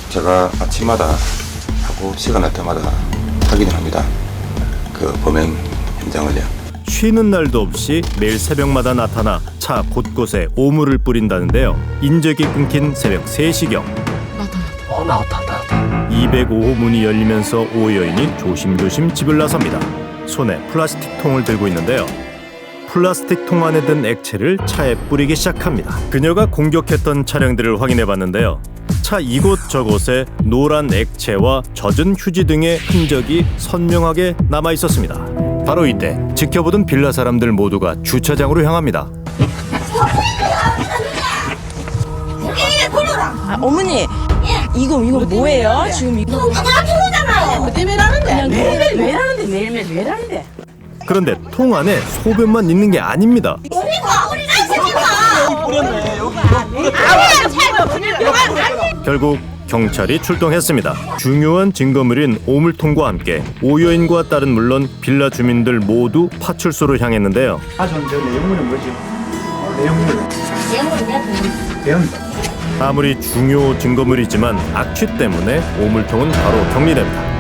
제가 아침마다 하고 시간 날 때마다 확인을 합니다. 그 범행 현장을요. 쉬는 날도 없이 매일 새벽마다 나타나 차 곳곳에 오물을 뿌린다는데요. 인적이 끊긴 새벽 3시경 나왔다. 205호 문이 열리면서 오 여인이 조심조심 집을 나섭니다. 손에 플라스틱 통을 들고 있는데요. 플라스틱 통 안에 든 액체를 차에 뿌리기 시작합니다. 그녀가 공격했던 차량들을 확인해봤는데요. 차 이곳저곳에 노란 액체와 젖은 휴지 등의 흔적이 선명하게 남아있었습니다. 바로 이때 지켜보던 빌라 사람들 모두가 주차장으로 향합니다. 어머니 이거 뭐예요? 지금 이거 뭐 때문에 하는데? 매일매일 왜 하는데? 그런데 통 안에 소변만 있는 게 아닙니다. 결국 경찰이 출동했습니다. 중요한 증거물인 오물통과 함께 오 여인과 딸은 물론 빌라 주민들 모두 파출소로 향했는데요. 전 저 내용물은 뭐지? 내용물. 아무리 중요 증거물이지만 악취 때문에 오물통은 바로 격리됩니다.